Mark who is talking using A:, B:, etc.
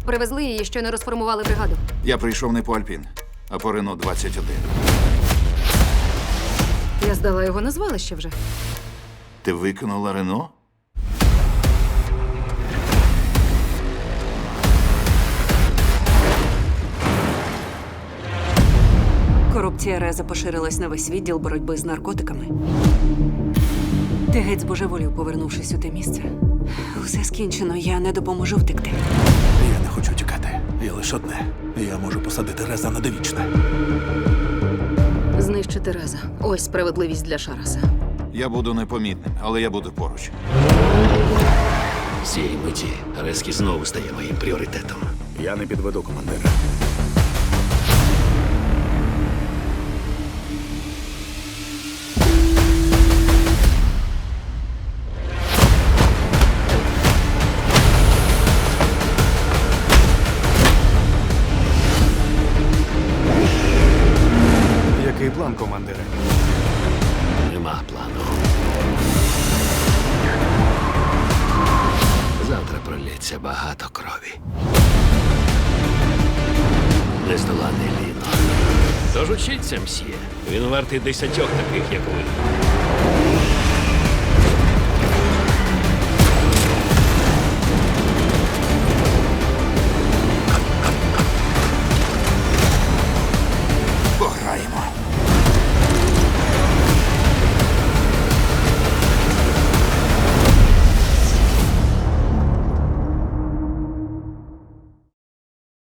A: Привезли її, щойно розформували бригаду.
B: Я прийшов не по Альпін, а по Рено 21.
A: Я здала його на звалище вже.
B: Ти викинула Рено?
C: Корупція Реза поширилась на весь відділ боротьби з наркотиками. Ти геть збожеволів, повернувшись у те місце. Усе скінчено, я не допоможу втекти.
D: Я не хочу тікати. Є лише одне. Я можу посадити Реза на довічне.
A: Знищити Реза. Ось справедливість для Шараса.
B: Я буду непомітним, але я буду поруч.
E: З цієї миті Резкі знову стає моїм пріоритетом.
D: Я не підведу командира.
F: Який план, командире?
E: Нема плану. Завтра пролється багато крові. Нездоланний Ліно. Тож учіться, мсьє. Він вартий 10 таких, як ви.